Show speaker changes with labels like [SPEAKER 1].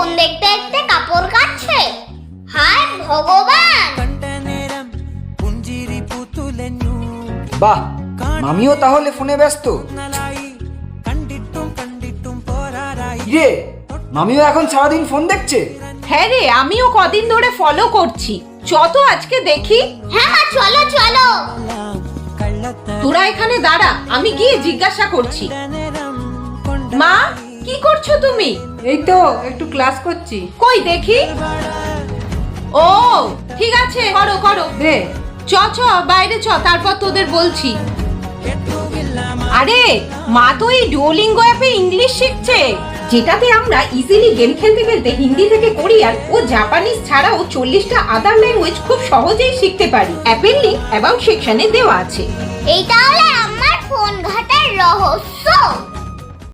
[SPEAKER 1] Phone দেখতে দেখতে কাপড় কাচ্ছে। হায় ভগবান।
[SPEAKER 2] বাহ, মামিও তাহলে ফোনে ব্যস্ত। রে, মামিও এখন সারাদিন ফোন দেখছে?
[SPEAKER 3] হ্যাঁ রে, আমিও কদিন ধরে ফলো করছি। তো আজকে দেখি।
[SPEAKER 1] হ্যাঁ মা, চলো চলো।
[SPEAKER 3] তোরা এখানে দাঁড়া, আমি গিয়ে জিজ্ঞাসা করছি। মা, কি করছো তুমি?
[SPEAKER 4] এই তো একটু ক্লাস করছি।
[SPEAKER 3] কই দেখি। ও ঠিক আছে, করো করো।
[SPEAKER 4] দে।
[SPEAKER 3] চ বাইরে চ, তারপর তোদের বলছি। আরে মা তো এই ডুওলিঙ্গো অ্যাপে ইংলিশ শিখছে, যেটাতে আমরা ইজিলি গেম খেলতে খেলতে হিন্দি থেকে কোরিয়ান ও জাপানিজ ছাড়াও 40টা আদার ল্যাঙ্গুয়েজ খুব সহজেই শিখতে পারি। অ্যাপের লিংক অ্যাবাউট সেকশনে দেওয়া আছে।
[SPEAKER 1] এই তাহলে আমার ফোন ঘাটার রহস্য।